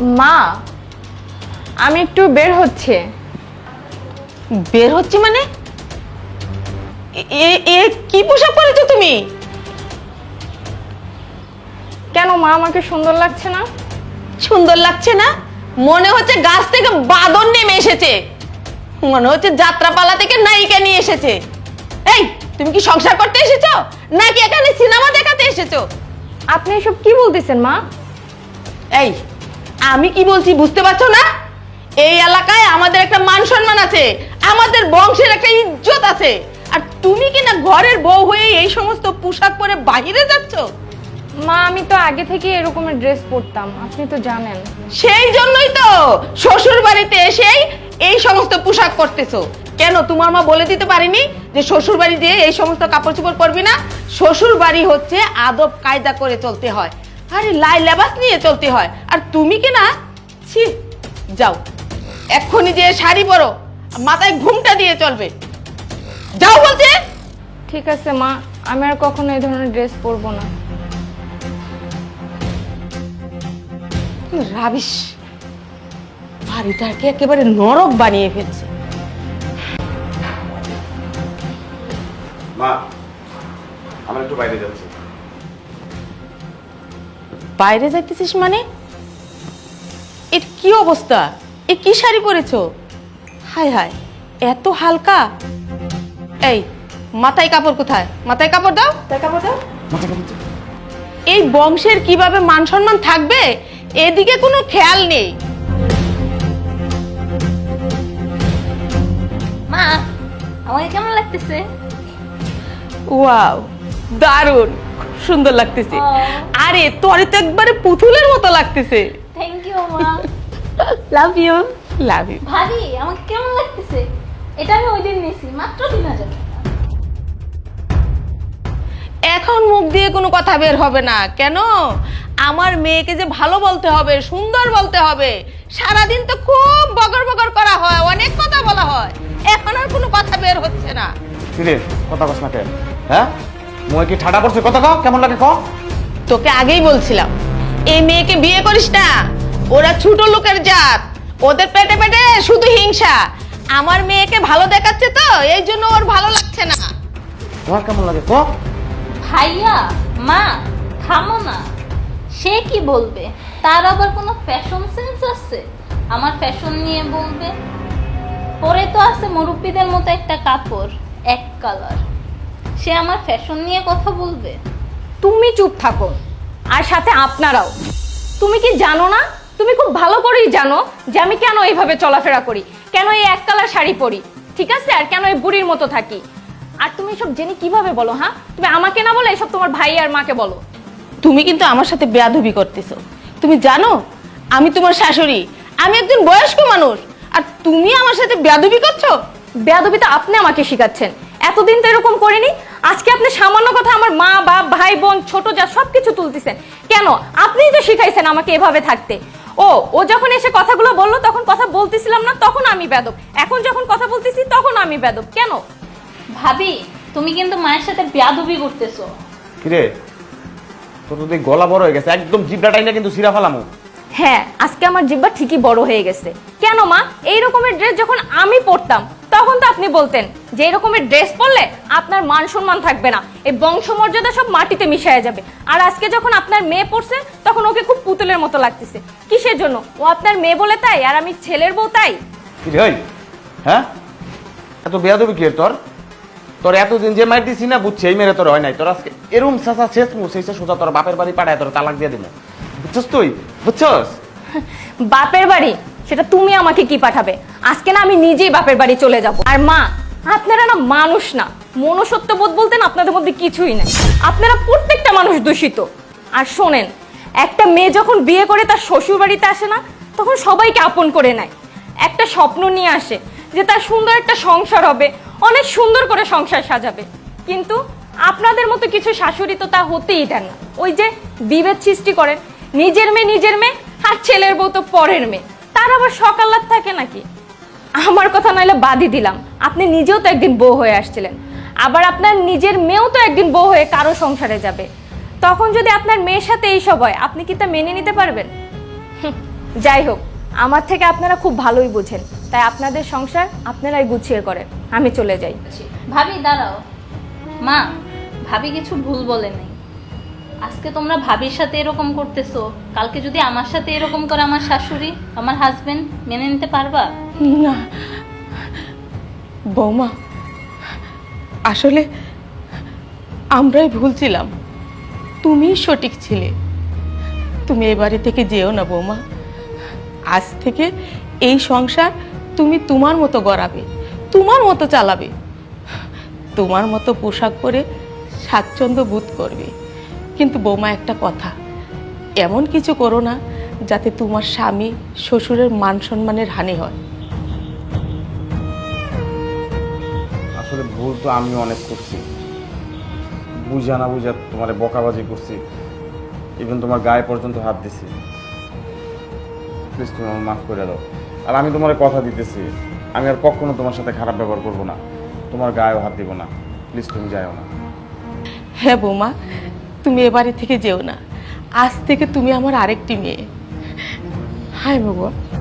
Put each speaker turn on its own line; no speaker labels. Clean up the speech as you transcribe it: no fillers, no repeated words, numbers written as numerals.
মা, আমি একটু বের হচ্ছে।
বের হচ্ছে মানে? এ কি পোশাক পরেছো তুমি?
কেন মা, আমাকে সুন্দর লাগছে না?
সুন্দর লাগছে না? মনে হচ্ছে গাছ থেকে বাদর নেমে এসেছে, মনে হচ্ছে যাত্রাপালা থেকে নায়িকা নিয়ে এসেছে। এই, তুমি কি সংসার করতে এসেছো নাকি এখানে সিনেমা দেখাতে এসেছো?
আপনি এসব কি বলতেছেন মা?
এই, আমি কি বলছি বুঝতে পারছো না? এই এলাকায় আমাদের একটা মান সম্মান আছে, আমাদের বংশের একটা ইজ্জত আছে, আর তুমি কি না ঘরের বউ হয়ে এই সমস্ত পোশাক পরে বাইরে যাচ্ছ?
মা, আমি তো আগে থেকে এরকমের ড্রেস পরতাম, আপনি তো জানেন।
সেই জন্যই তো শ্বশুর বাড়িতে এসেই এই সমস্ত পোশাক পরতেছো। কেন তোমার মা বলে দিতে পারেনি যে শ্বশুর বাড়ি দিয়ে এই সমস্ত কাপড় চোপড় পরবি না? শ্বশুর বাড়ি হচ্ছে আদব কায়দা করে চলতে হয়, আরে লাই লেবাস নিয়ে চলতে হয়। আর তুমি কি না, ছি, যাও এক্ষুনি যে শাড়ি পরো, মাথায় ঘুমটা দিয়ে চলবে, যাও বলছে।
ঠিক আছে মা, আমি আর কখনো এই ধরনের ড্রেস পরবো না।
রাবিশ, বাড়িটাকে একেবারে নরক বানিয়ে ফেলছে।
মা, আমরা একটু বাইরে যাচ্ছি।
বাইরে যাইতেছিস মানে? এর কি অবস্থা? এ কি শাড়ি পরেছো? হায় হায়, এত হালকা। এই, মাথায় কাপড় কোথায়? মাথায় কাপড় দাও, কাপড় দাও। এই বংশের কিভাবে মান সম্মান থাকবে এদিকে কোনো খেয়াল নেই।
মা, আমাকে কেমন লাগতেছে?
ওয়াও, দারুণ, খুব সুন্দর লাগতেছে। আরে তোরে তো একবারে পুতুলের মতো লাগতেছে।
থ্যাংক ইউ মা। Love you.
Love you.
ভাবি, আমাকে কেমন লাগতেছে? এটা আমি ওই দিন নিয়েছি, মাত্র 3000 টাকা।
এখন মুখ দিয়ে কোনো কথা বের হবে না। কেন? আমার মেয়েকে যে ভালো বলতে হবে, সুন্দর বলতে হবে। সারাদিন তো খুব বগর বগর করা হয়, অনেক কথা বলা হয়, এখন আর কোনো কথা বের হচ্ছে না।
কিরে, কথা কস না কেন? হ্যাঁ, মুই কি ঠাডা পড়ছে? কথা কও, কেমন লাগে কও।
তোকে আগেই বলছিলাম এই মেয়েকে বিয়ে করিস না, ওরা ছোট লোকের জাত, ওদের পেটে পেটে শুধু হিংসা। আমার মেয়েকে ভালো দেখাচ্ছে তো, এই জন্য ওর ভালো লাগছে না।
তোমার কেমন লাগে কও?
ভাইয়া, মা, থামো না। সে কি বলবে? তার আবার কোনো ফ্যাশন সেন্স আছে? আমার ফ্যাশন নিয়ে বলবে? পরে তো আছে মুরব্বীদের মতো একটা কাপড়, এক কালার। সে আমার ফ্যাশন নিয়ে কথা বলবে?
তুমি চুপ থাকো, আর সাথে আপনারাও। তুমি কি জানো না? তুমি খুব ভালো করেই জানো যে আমি কেন এইভাবে চলাফেরা করি, কেন এই এক কালার শাড়ি পরি, ঠিক আছে? আর কেন এই বুড়ির মতো থাকি। আর তুমি সব জেনে কিভাবে বলো? হ্যাঁ, তুমি আমাকে না বলে এসব তোমার ভাই আর মাকে বলো।
তুমি কিন্তু আমার সাথে বেয়াদবি করতেছো। তুমি জানো আমি তোমার শাশুড়ি, আমি একজন বয়স্ক মানুষ, আর তুমি আমার সাথে বেয়াদবি করছো।
বেয়াদবি তো আপনি আমাকে শিখাচ্ছেন, এতদিন তো এরকম করিনি। আজকে আপনি সামান্য কথা আমার মা বাপ ভাই বোন ছোট যা সবকিছু তুলতেছেন কেন? আপনিই তো শিখাইছেন আমাকে এভাবে থাকতে। ও যখন এসে কথাগুলো বললো তখন কথা বলতেছিলাম না, তখন আমি বেয়াদব। এখন যখন কথা বলতেছি তখন আমি বেয়াদব কেন?
ভাবি, তুমি কিন্তু মায়ের সাথে বেয়াদবি করতেছো।
কিরে, তোর তো গলা বড় হয়ে গেছে, একদম জিব্রাটাই না কিন্তু সিরা ফালামু।
হ্যাঁ, আজকে আমার জিহ্বা ঠিকই বড় হয়ে গেছে। কেন মা? এই রকমের ড্রেস যখন আমি পরতাম তখন তো আপনি বলতেন যে এই রকমের ড্রেস পরলে আপনার মান সম্মান থাকবে না, এই বংশমর্যাদা সব মাটিতে মিশিয়ে যাবে। আর আজকে যখন আপনার মেয়ে পড়ছে তখন ওকে খুব পুতুলের মতো লাগতেছে। কিসের জন্য? ও আপনার মেয়ে বলে তাই, আর আমি ছেলের বউ তাই?
কিরে ওই, হ্যাঁ, এত বেয়াদবি কি তোর? তোর এতদিন যে মাইর দিছি না, বুঝছি এই মেরে তোর হয় নাই। তোর আজকে এরম চাচা শেষ মু সেই সোজা তোর বাপের বাড়ি পাঠায় তোর তালাক দিয়ে দিবো, বুঝছস? তুই বুঝছস?
বাপের বাড়ি সেটা তুমি আমাকে কি পাঠাবে? আজকে না আমি নিজেই বাপের বাড়ি চলে যাব। আর মা, আপনারা না মানুষ না, মনুষ্যত্ব বোধ বলতেন আপনাদের মধ্যে কিছুই নেই। আপনারা প্রত্যেকটা মানুষ দূষিত। আর শোনেন, একটা মেয়ে যখন বিয়ে করে তার শ্বশুর বাড়িতে আসে না, তখন সবাইকে আপন করে নেয়, একটা স্বপ্ন নিয়ে আসে যে তার সুন্দর একটা সংসার হবে, অনেক সুন্দর করে সংসার সাজাবে। কিন্তু আপনাদের মতো কিছু শাশুড়ি তো তা হতেই দেন না। ওই যে বিভেদ সৃষ্টি করেন, নিজের মেয়ে আর ছেলের বউ তো পরের মেয়ে, তার আবার সকালাত থাকে নাকি? আমার কথা নাইলে বাদই দিলাম, আপনি নিজেও তো একদিন বউ হয়ে আসছিলেন, আবার আপনার নিজের মেয়েও তো একদিন বউ হয়ে কারো সংসারে যাবে। তখন যদি আপনার মেয়ের সাথে এইসব হয়, আপনি কি তা মেনে নিতে পারবেন? যাই হোক, আমার থেকে আপনারা খুব ভালোই বুঝেন, তাই আপনাদের সংসার আপনারাই গুছিয়ে করেন। আমি চলে যাই।
ভাবি দাঁড়াও। মা, ভাবি কিছু ভুল বলে নাই। আজকে তোমরা ভাবির সাথে এরকম করতেছো, কালকে যদি আমার সাথে এরকম করে আমার শাশুড়ি, আমার হাজবেন্ড, মেনে নিতে পারবা?
না বৌমা, আসলে আমরাই ভুল ছিলাম, তুমি সঠিক ছিলে। তুমি এ বাড়ি থেকে যেও না বৌমা। আজ থেকে এই সংসার তুমি তোমার মতো গড়াবে, তোমার মতো চালাবে, তোমার মতো পোশাক পরে স্বাচ্ছন্দ্য বোধ করবে। কিন্তু বৌমা, একটা কথা, এমন কিছু করো না যাতে তোমার স্বামী শ্বশুরের মান সম্মানের হানি হয়।
আসলে ভুল তো আমি অনেক করছি, বুঝা না বুঝা তোমার বকাবাজি করছি, ইভেন তোমার গায়ে পর্যন্ত হাত দিছি। প্লিজ তুমি আমার মাফ করে দাও। আর আমি তোমার কথা দিতেছি, আমি আর কখনো তোমার সাথে খারাপ ব্যবহার করব না, তোমার গায়েও হাত দিব না। প্লিজ তুমি যাও না।
হ্যাঁ বৌমা, তুমি এ বাড়ি থেকে যেও না। আজ থেকে তুমি আমার আরেকটি মেয়ে। হাই বাবা।